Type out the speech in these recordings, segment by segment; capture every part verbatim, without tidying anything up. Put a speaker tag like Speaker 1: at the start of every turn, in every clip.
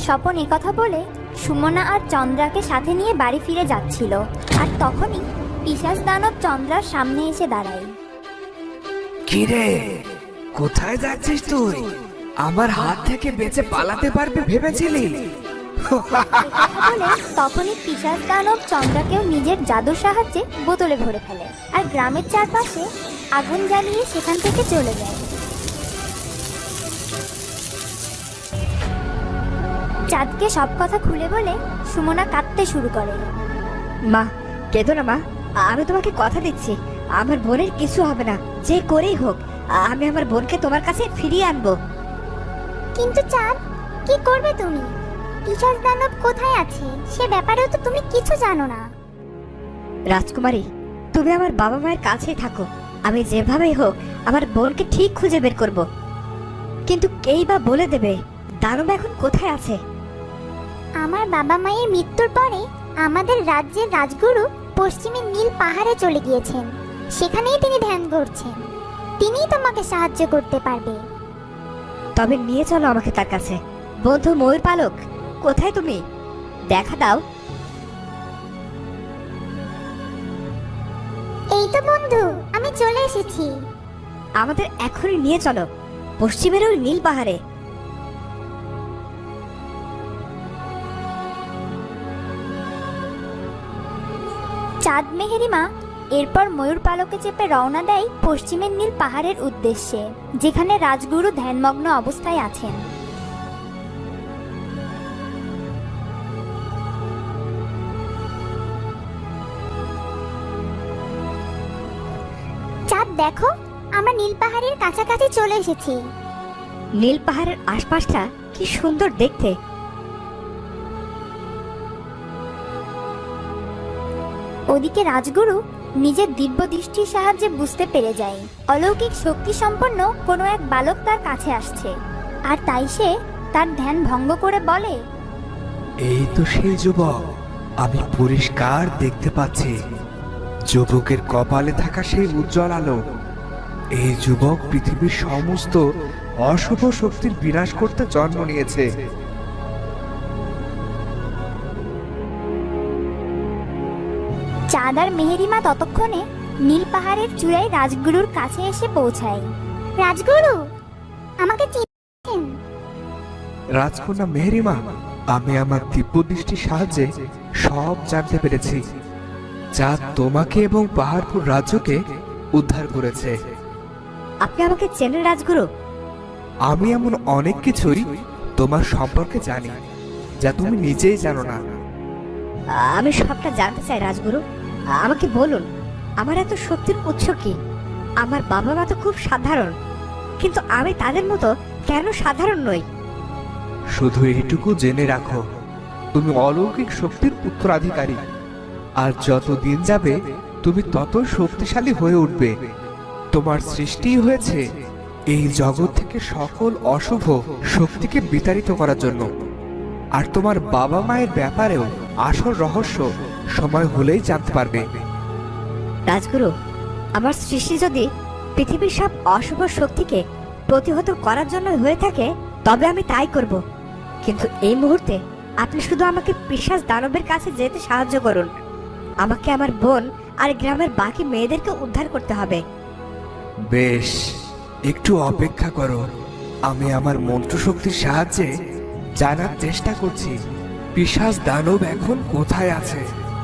Speaker 1: স্বপন একথা বলে সুমনা আর চন্দ্রাকে সাথে নিয়ে বাড়ি ফিরে যাচ্ছিল, আর তখনই পিশাচ দানব চন্দ্রার সামনে এসে দাঁড়ায়।
Speaker 2: কিরে, কোথায় যাচ্ছিস তুই? আমার হাত থেকে বেঁচে পালাতে পারবে ভেবেছিলি?
Speaker 1: বলে তখনই পিশাচ দানব চন্দ্রাকেও নিজের জাদুর সাহায্যে বোতলে ভরে ফেলে আর গ্রামের চারপাশে আগুন জ্বালিয়ে সেখান থেকে চলে যায়। চাঁদকে সব কথা খুলে বলে সুমনা কাঁদতে শুরু করে।
Speaker 3: মা, কেঁদো না মা, আমি তোমাকে কথা দিচ্ছি আমার বোনের কিছু হবে না, যে করেই হোক আমি আমার বোনকে তোমার কাছে ফিরিয়ে আনবো।
Speaker 1: কিন্তু চাঁদ, কি করবে তুমি? পিশাচ দানব কোথায় আছে সে ব্যাপারেও তো তুমি কিছু জানো না।
Speaker 3: রাজকুমারী, তুমি আমার বাবা মায়ের কাছেই থাকো, আমি যেভাবেই হোক আমার বোনকে ঠিক খুঁজে বের করব। কিন্তু কেই বা বলে দেবে দানব এখন কোথায় আছে?
Speaker 1: আমার বাবা মায়ের মৃত্যুর পরে আমাদের রাজ্যের রাজগুরু পশ্চিমের নীল পাহাড়ে চলে গিয়েছেন, সেখানেই তিনি ধ্যান করছেন। তিনিই তোমাকে সাহায্য করতে পারবে।
Speaker 3: তবে নিয়ে চলো আমাকে তার কাছে। বন্ধু ময়ূর পালক, কোথায় তুমি? দেখা দাও।
Speaker 1: এই তো বন্ধু, আমি চলে এসেছি।
Speaker 3: আমাদের এখনই নিয়ে চলো পশ্চিমের ওই নীল পাহাড়ে।
Speaker 1: চাঁদ মেহেরিমা এরপর ময়ূর পালকে চেপে রওনা দেয় পশ্চিমের নীল পাহাড়ের উদ্দেশ্যে, যেখানে রাজগুরু ধ্যানমগ্ন অবস্থায় আছেন। চাঁদ দেখো, আমরা নীল পাহাড়ের কাছাকাছি চলে এসেছি।
Speaker 3: নীল পাহাড়ের আশপাশটা কি সুন্দর দেখতে।
Speaker 1: ওদিকে রাজগুরু নিজের দিব্য দৃষ্টির সাহায্যে বুঝতে পেরে যায় অলৌকিক শক্তি সম্পন্ন কোনো এক বালক তার কাছে আসছে, আর তাই সে তার ধ্যান ভঙ্গ করে বলে,
Speaker 2: এই তো সেই যুবক, আমি পরিষ্কার দেখতে পাচ্ছি। যুবকের কপালে থাকা সেই উজ্জ্বল আলো। এই যুবক পৃথিবীর সমস্ত অশুভ শক্তির বিনাশ করতে জন্ম নিয়েছে।
Speaker 1: চাঁদ আর মেহেরিমা ততক্ষণে নীল পাহাড়ের চূড়ায় রাজগুরুর কাছে এসে পৌঁছায়। রাজগুরু, আমাকে চিনছেন?
Speaker 2: রাজকন্যা মেহেরিমা, আমি আমার দিব্য দৃষ্টির সাহায্যে সব জানতে পেরেছি। যা তোমাকে এবং পাহাড়পুর রাজ্যকে উদ্ধার করেছে।
Speaker 3: আপনি আমাকে চেনেন রাজগুরু?
Speaker 2: আমি এমন অনেক কিছুই তোমার সম্পর্কে জানি যা তুমি নিজেই জানো না।
Speaker 3: আমি সবটা জানতে চাই রাজগুরু, আমাকে বলুন আমার এত শক্তির উৎস কি? আমার বাবা মা তো খুব সাধারণ, কিন্তু আমি তাদের মতো কেন সাধারণ নই?
Speaker 2: শুধু এইটুকু জেনে রাখো, তুমি অলৌকিক শক্তির উত্তরাধিকারী, আর যত দিন যাবে তুমি তত শক্তিশালী হয়ে উঠবে। তোমার সৃষ্টি হয়েছে এই জগৎ থেকে সকল অশুভ শক্তিকে বিতাড়িত করার জন্য। আর তোমার বাবা মায়ের ব্যাপারেও আসল রহস্য সময় হলেই জানতে পারবে।
Speaker 3: রাজগুরু, আমার সৃষ্টি যদি পৃথিবীর সব অশুভ শক্তিকে প্রতিহত করার জন্য হয়ে থাকে তবে আমি তাই করব, কিন্তু এই মুহূর্তে আপনি শুধু আমাকে পিশাচ দানবের কাছে যেতে সাহায্য করুন। আমাকে আমার বোন আর গ্রামের বাকি মেয়েদেরকে উদ্ধার করতে হবে।
Speaker 2: বেশ, একটু অপেক্ষা করো। আমি আমার মন্ত্রশক্তির সাহায্যে জানার চেষ্টা করছি পিশাচ দানব এখন কোথায় আছে।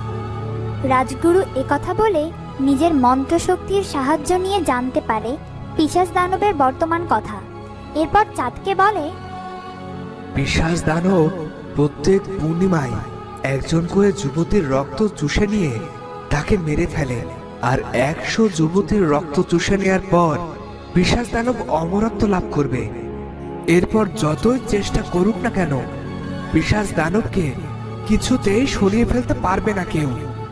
Speaker 1: রাজগুরু একথা বলে নিজের মন্ত্রশক্তির সাহায্য নিয়ে জানতে পারে পিশাচ দানবের বর্তমান কথা। এরপর চাঁদকে বলে,
Speaker 2: পিশাচ দানব প্রত্যেক পূর্ণিমায় একজন করে যুবতীর রক্ত চুষে নিয়ে তাকে মেরে ফেলে, আর একশো যুবতীর রক্ত চুষে নেওয়ার পর পিশাচ দানব অমরত্ব লাভ করবে। এরপর যতই চেষ্টা করুক না কেন পিশাচ দানবকে কিছুতেই সরিয়ে ফেলতে পারবে না কেউ।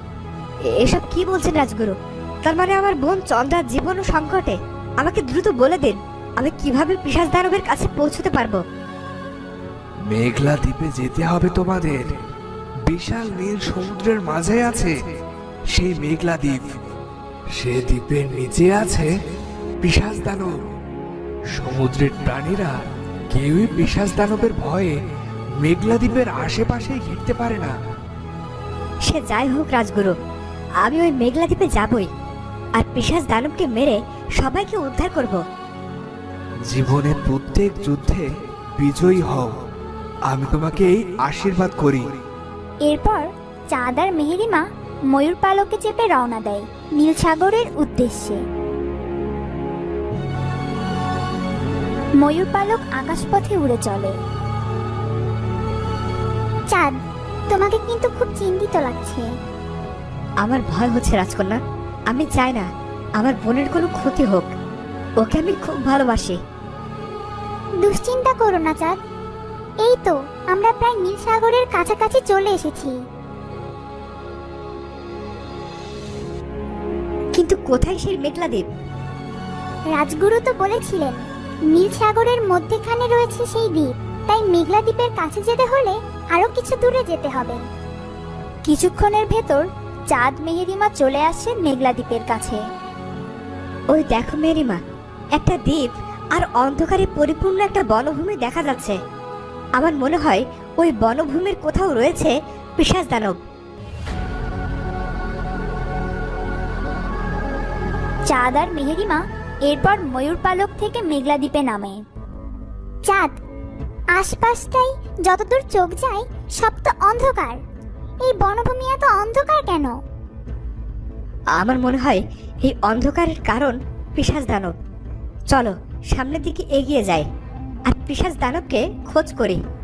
Speaker 3: এসব কি বলছেন রাজগুরু? তার মানে আমার বোন চন্দ্রার জীবন ও সংকটে। আমাকে দ্রুত বলে দিন আমি কিভাবে পিশাচ দানবের কাছে পৌঁছতে পারবো।
Speaker 2: মেঘলা দ্বীপে যেতে হবে তোমাদের। বিশাল নীল সমুদ্রের মাঝে আছে সেই মেঘলা দ্বীপ। সে দ্বীপের নিচে আছে পিশাচ দানব। সমুদ্রের প্রাণীরা কেউই পিশাচ দানবের ভয়ে মেঘলা দ্বীপের আশেপাশেই ঘিরতে পারে না।
Speaker 3: সে যাই হোক রাজগুরু, আমি ওই মেঘলা দ্বীপে যাবই, আর পিশাচ দানবকে মেরে সবাইকে উদ্ধার করব।
Speaker 2: জীবনের প্রত্যেক যুদ্ধে বিজয়ী হও, আমি তোমাকে এই আশীর্বাদ করি।
Speaker 1: এরপর চাঁদ আর মেহেরিমা ময়ূর পালকে চেপে রওনা দেয় নীল সাগরের উদ্দেশ্যে। ময়ূর পালক আকাশপথে উড়ে চলে। চাঁদ, তোমাকে কিন্তু খুব চিন্তিত লাগছে।
Speaker 3: আমার ভয় হচ্ছে রাজকন্যা, আমি চাই না আমার বোনের কোনো ক্ষতি হোক, ওকে আমি খুব ভালোবাসি।
Speaker 1: দুশ্চিন্তা করো না চাঁদ, এই তো আমরা প্রায় নীল সাগরের কাছাকাছি চলে এসেছি।
Speaker 3: কিন্তু কোথায় সেই মেঘলা দ্বীপ?
Speaker 1: রাজগুরু তো বলেছিলেন নীল সাগরের মধ্যেখানে রয়েছে সেই দ্বীপ, তাই মেঘলা দ্বীপের কাছে যেতে হলে আরো কিছু দূরে যেতে হবে। কিছুক্ষণের ভেতর চাঁদ মেহেরিমা চলে আসে মেঘলা দ্বীপের কাছে।
Speaker 3: ওই দেখো মেরিমা, একটা দ্বীপ আর অন্ধকারে পরিপূর্ণ একটা বনভূমি দেখা যাচ্ছে। আমার মনে হয় ওই বনভূমির কোথাও রয়েছে পিশাচ দানব।
Speaker 1: চাঁদ আর মেহেরিমা এরপর ময়ূর পালক থেকে মেঘলা দ্বীপে নামে। চাঁদ, আশপাশটাই যতদূর চোখ যায় সব তো অন্ধকার, এই বনভূমি এত অন্ধকার কেন?
Speaker 3: আমার মনে হয় এই অন্ধকারের কারণ পিশাচ দানব। চলো সামনের দিকে এগিয়ে যাই আর পিশাচ দানবকে খোঁজ করি।